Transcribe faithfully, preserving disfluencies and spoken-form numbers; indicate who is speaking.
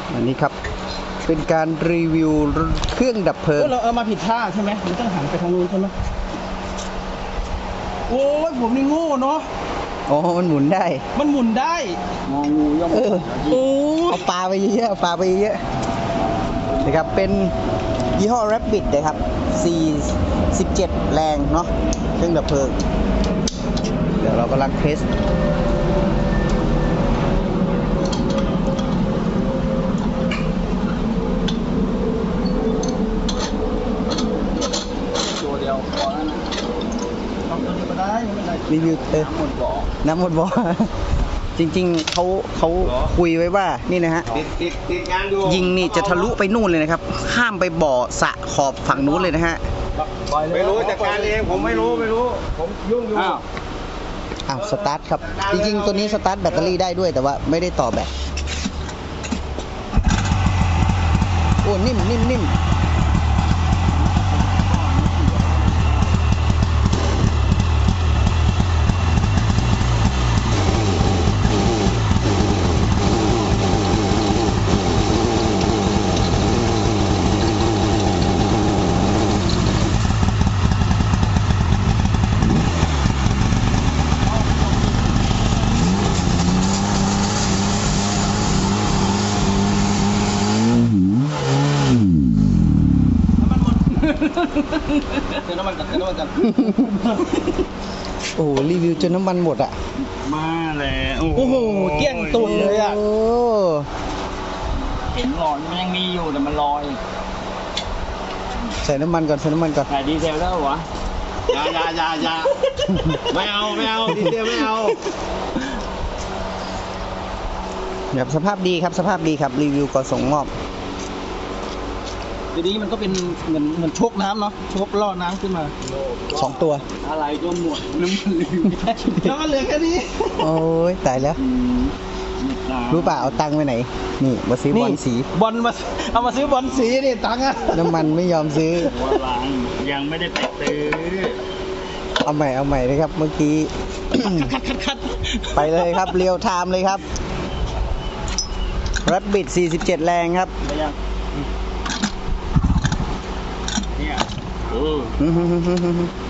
Speaker 1: อันนี้ครับเป็นการรีวิวเครื่องดับเพลิง
Speaker 2: เราเอามาผิดท่าใช่ไหมมันต้องหันไปทางนู้นใช่ไหมโอ้ยผมนี่โง่เนาะ
Speaker 1: อ๋อมันหมุนได้
Speaker 2: มันหมุนได้งองูย่อม
Speaker 1: เออ
Speaker 2: โอ้
Speaker 1: เอาปลาไปเยอะเอาปลาไปเยอะนะครับเป็นยี่ห้อ Rabbit นะครับสี่สิบเจ็ดแรงเนาะเครื่องดับเพลิงเดี๋ยวเรากำลังเทส
Speaker 2: ตัวเดียวพอแล้วนะทำตัวนี้ก็ได้ไม่เป็นไร
Speaker 1: รีวิวเออ
Speaker 2: น้ำหมดบ่อ
Speaker 1: น้ำหมดบ่อ จริงๆเขาเขาคุยไว้ว่านี่นะฮะ
Speaker 3: ติดติดติดงานดู
Speaker 1: ยิงนี่จะทะลุไปนู่นเลยนะครับ ข้ามไปบ่อสระขอบฝั่งนู้นเลยนะฮะ
Speaker 3: ไม่รู้จัดการเองผมไม่รู้ไม่รู้ผมยุ่งอยู่
Speaker 2: อ้าว
Speaker 1: อ้าวสตาร์ทครับ จริงๆตัวนี้สตาร์ทแบตเตอรี่ได้ด้วยแต่ว่าไม่ได้ต่อแบตโอ้นิ่มนิ่มนิ่ม
Speaker 2: เติมน้ำมันกันเติมน้ำมันกัน
Speaker 1: โอ้โหรีวิวจนน้ำมันหมดอ่ะ
Speaker 3: มาแล้ว
Speaker 2: โอ้โหเกลี้ยงตุนเลยอ่ะ
Speaker 1: โอ้
Speaker 2: เห็นหลอดมันยังมีอยู่แต่มันลอย
Speaker 1: ใส่น้ำมันก่อนใส่น้ำมันก่อน
Speaker 2: ถ่ายดีเซลแล้ววะ
Speaker 3: อยาอยาอยาอยาไม่เอาไม่เอาดีเดียวไม่เอา
Speaker 1: แบบสภาพดีครับสภาพดีครับรีวิวก่อนส่งมอบ
Speaker 2: ทีนี้มันก็เป็นเหมือนเหมือนชกน้ำเนาะชกล่อน้ำขึ้นมา
Speaker 1: สองตัว
Speaker 2: อะไรก็หมดน้ำมันเหลือน้ำมันเหลือแค่นี้
Speaker 1: โอ้ยตายแล้ว รู้ป่ะเอาตังค์ไปไหน นี่มาซื้อบอลสี
Speaker 2: บอลมาเอามาซื้อบอลสีนี่ตังค์อะ
Speaker 1: น้ำมันไม่ยอมซื้อ
Speaker 3: ว่าหลังยังไม่ได้ไปซื้อ
Speaker 1: เอาใหม่เอาใหม่เลยครับเมื่อกี้
Speaker 2: คัดคัดคัด
Speaker 1: ไปเลยครับเรียวไทม์เลยครับ Rabbit สี่สิบเจ็ดแรงครับ
Speaker 2: ไปยังเนี่ย
Speaker 3: เออ